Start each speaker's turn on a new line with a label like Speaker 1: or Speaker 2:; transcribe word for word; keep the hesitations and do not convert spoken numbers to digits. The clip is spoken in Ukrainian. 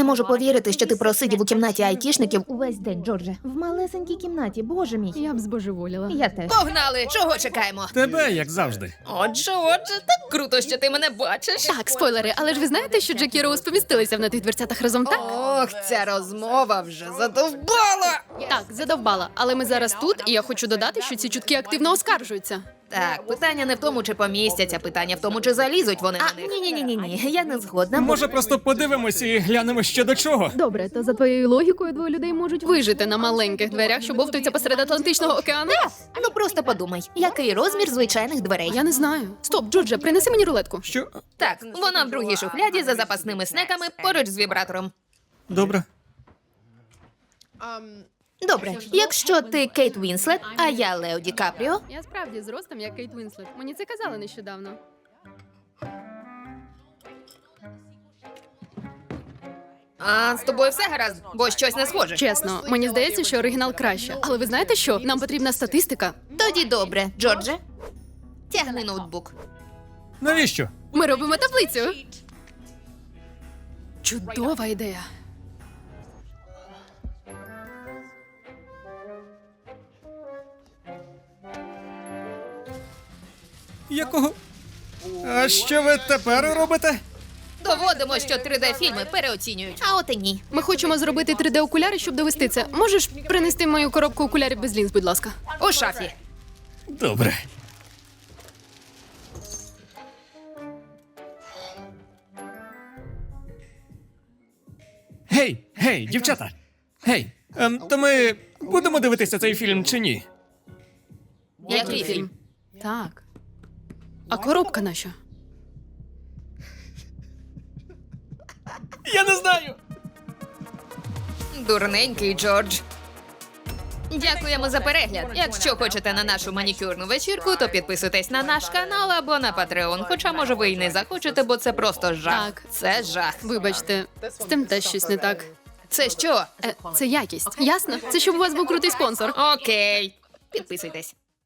Speaker 1: можу повірити, що ти просидів у кімнаті айтішників увесь день, Джордже. В малесенькій кімнаті, боже мій.
Speaker 2: Я б збожеволіла.
Speaker 1: Я теж.
Speaker 3: Погнали! Чого чекаємо?
Speaker 4: Тебе, як завжди.
Speaker 3: Отже, отже, так круто, що ти мене бачиш.
Speaker 2: Так, спойлери, але ж ви знаєте, що Джек і Роуз помістилися в на тих дверцятах разом, так?
Speaker 3: Ох, ця розмова вже задовбала!
Speaker 2: Так, задовбала. Але ми зараз тут, і я хочу додати, що ці чутки активно оскаржуються.
Speaker 3: Так, питання не в тому, чи помістяться, питання в тому, чи залізуть вони
Speaker 1: А,
Speaker 3: на них.
Speaker 1: ні-ні-ні-ні, я не згодна.
Speaker 4: Може, просто подивимось і глянемо що до чого.
Speaker 2: Добре, то за твоєю логікою двоє людей можуть вижити на маленьких дверях, що бовтуються посеред Атлантичного океану?
Speaker 1: Ну просто подумай, який розмір звичайних дверей?
Speaker 2: Я не знаю. Стоп, Джордже, принеси мені рулетку.
Speaker 4: Що?
Speaker 3: Так, вона в другій шухляді за запасними снеками поруч з вібратором.
Speaker 4: Добре.
Speaker 1: Добре, якщо ти Кейт Вінслет, а я Лео Ді Капріо,
Speaker 2: Я справді з ростом, як Кейт Вінслет. Мені це казали нещодавно.
Speaker 3: А з тобою все гаразд, бо щось не схоже.
Speaker 2: Чесно, мені здається, що оригінал краще. Але ви знаєте що? Нам потрібна статистика.
Speaker 1: тоді добре, Джордже.
Speaker 3: Тягни ноутбук.
Speaker 4: Навіщо?
Speaker 2: Ми робимо таблицю. Чудова ідея.
Speaker 4: Якого? А що ви тепер робите?
Speaker 3: Доводимо, що три Д-фільми переоцінюють.
Speaker 1: А от і ні.
Speaker 2: Ми хочемо зробити три Д окуляри, щоб довести це. Можеш принести мою коробку окулярів без лінз, будь ласка?
Speaker 3: У шафі.
Speaker 4: Добре. Гей, гей, дівчата! Гей, ем, то ми будемо дивитися цей фільм чи ні?
Speaker 3: Який фільм?
Speaker 2: Так. А коробка наша?
Speaker 4: Я не знаю!
Speaker 3: Дурненький Джордж. Дякуємо за перегляд. Якщо хочете на нашу манікюрну вечірку, то підписуйтесь на наш канал або на Patreon. Хоча, може, ви і не захочете, бо це просто жах.
Speaker 2: Так.
Speaker 3: Це жах.
Speaker 2: Вибачте, з тим теж щось не так.
Speaker 3: Це що?
Speaker 2: Е, це якість. Ясно? Це щоб у вас був крутий спонсор.
Speaker 3: Окей. Підписуйтесь.